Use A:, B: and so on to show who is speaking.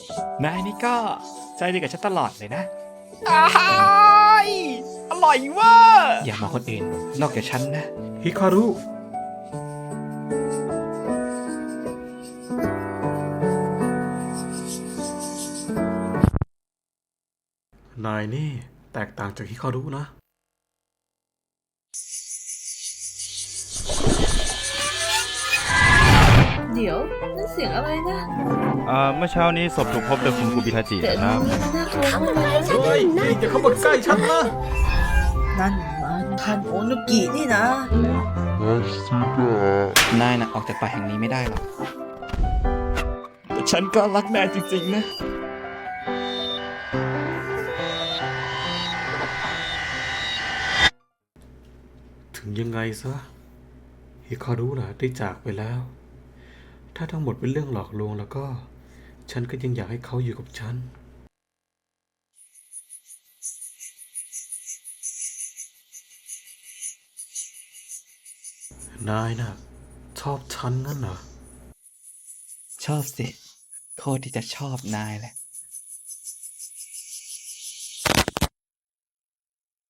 A: นายนี่ก็ใจดีกับฉันตลอดเลยนะอ้ายอร่อยเว่าอย่ามองคนอื่นนอกจากฉันนะฮิคารุนายนี่แตกต่างจากฮิคารุนะ
B: เดี๋ยวนั่นเสียงอะไรนะ
C: เมื่อเช้านี้ศพถูกพบโดยคุณครูบิทาจิ
B: เดี๋ยว
C: นะครับ
B: นี้มันน่ากลัวมากเลย
A: เฮ้ยอย่าเข้ามาใกล้ฉันนะ
B: นั่นมันท่านโอนุกินี่นะ
A: นายน่ะออกจากป่าแห่งนี้ไม่ได้หรอกแต่ฉันก็รักนายจริงๆนะ ถึงยังไงซะฮิคารุน่ะได้จากไปแล้ว ถ้าทั้งหมดเป็นเรื่องหลอกลวงแล้วก็ ฉันก็ยังอยากให้เขาอยู่กับฉัน นายน่ะชอบฉันงั้นเหรอ ชอบสิโคตรที่จะชอบนายแหละ